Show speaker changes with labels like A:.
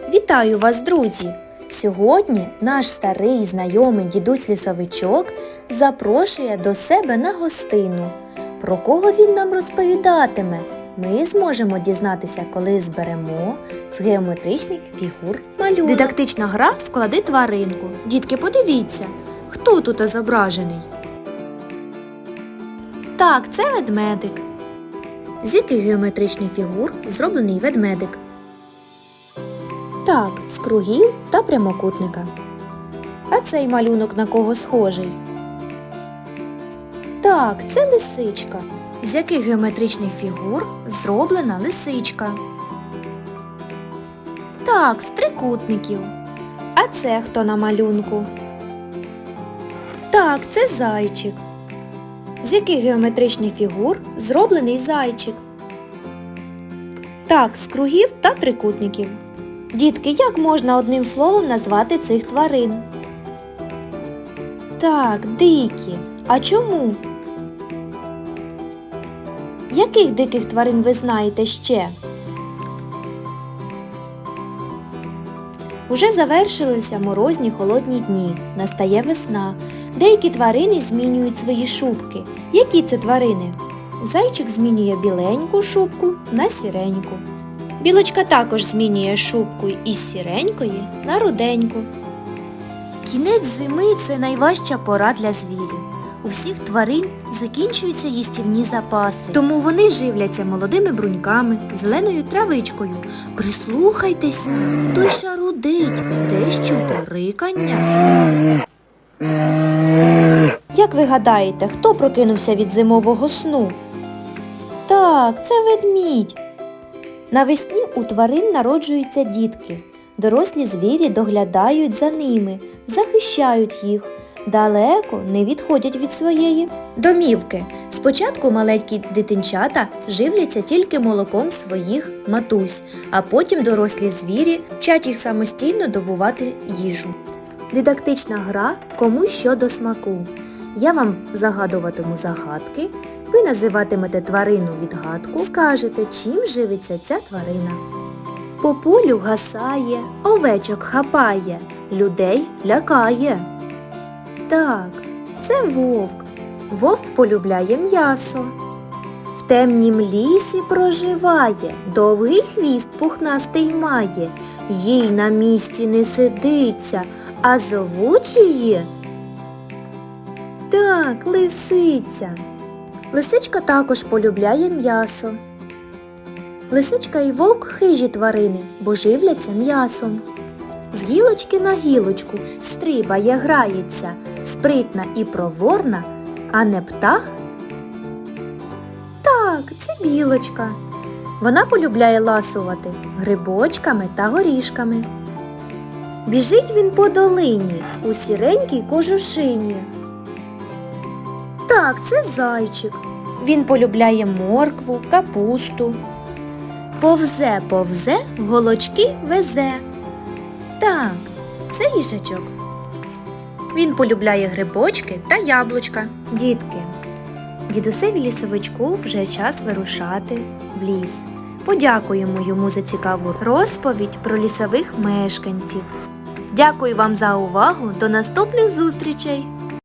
A: Вітаю вас, друзі! Сьогодні наш старий знайомий дідусь-лісовичок запрошує до себе на гостину. Про кого він нам розповідатиме, ми зможемо дізнатися, коли зберемо з геометричних фігур малюнок. Дидактична гра «Склади тваринку». Дітки, подивіться, хто тут зображений? Так, це ведмедик. З яких геометричних фігур зроблений ведмедик? Так, з кругів та прямокутника. А цей малюнок на кого схожий? Так, це лисичка. З яких геометричних фігур зроблена лисичка? Так, з трикутників. А це хто на малюнку? Так, це зайчик. З яких геометричних фігур зроблений зайчик? Так, з кругів та трикутників. Дітки, як можна одним словом назвати цих тварин? Так, дикі. А чому? Яких диких тварин ви знаєте ще? Уже завершилися морозні холодні дні. Настає весна. Деякі тварини змінюють свої шубки. Які це тварини? Зайчик змінює біленьку шубку на сіреньку. Білочка також змінює шубку із сіренької на руденьку. Кінець зими – це найважча пора для звірів. У всіх тварин закінчуються їстівні запаси, тому вони живляться молодими бруньками, зеленою травичкою. Прислухайтеся, той шарудить, десь чути рикання. Як ви гадаєте, хто прокинувся від зимового сну? Так, це ведмідь. Навесні у тварин народжуються дітки. Дорослі звірі доглядають за ними, захищають їх, далеко не відходять від своєї домівки. Спочатку маленькі дитинчата живляться тільки молоком своїх матусь, а потім дорослі звірі вчать їх самостійно добувати їжу. Дидактична гра «Кому що до смаку». Я вам загадуватиму загадки, ви називатимете тварину відгадку, скажете, чим живиться ця тварина. По полю гасає, овечок хапає, людей лякає. Так, це вовк. Вовк полюбляє м'ясо. В темнім лісі проживає, довгий хвіст пухнастий має. Їй на місці не сидиться, а зовуть її. Так, лисиця. Лисичка також полюбляє м'ясо. Лисичка і вовк хижі тварини, бо живляться м'ясом. З гілочки на гілочку стрибає, грається, спритна і проворна, а не птах? Так, це білочка. Вона полюбляє ласувати грибочками та горішками. Біжить він по долині у сіренькій кожушині. Так, це зайчик. Він полюбляє моркву, капусту. Повзе, повзе, голочки везе. Так, це їжачок. Він полюбляє грибочки та яблучка. Дітки, дідусеві лісовичку вже час вирушати в ліс. Подякуємо йому за цікаву розповідь про лісових мешканців. Дякую вам за увагу. До наступних зустрічей!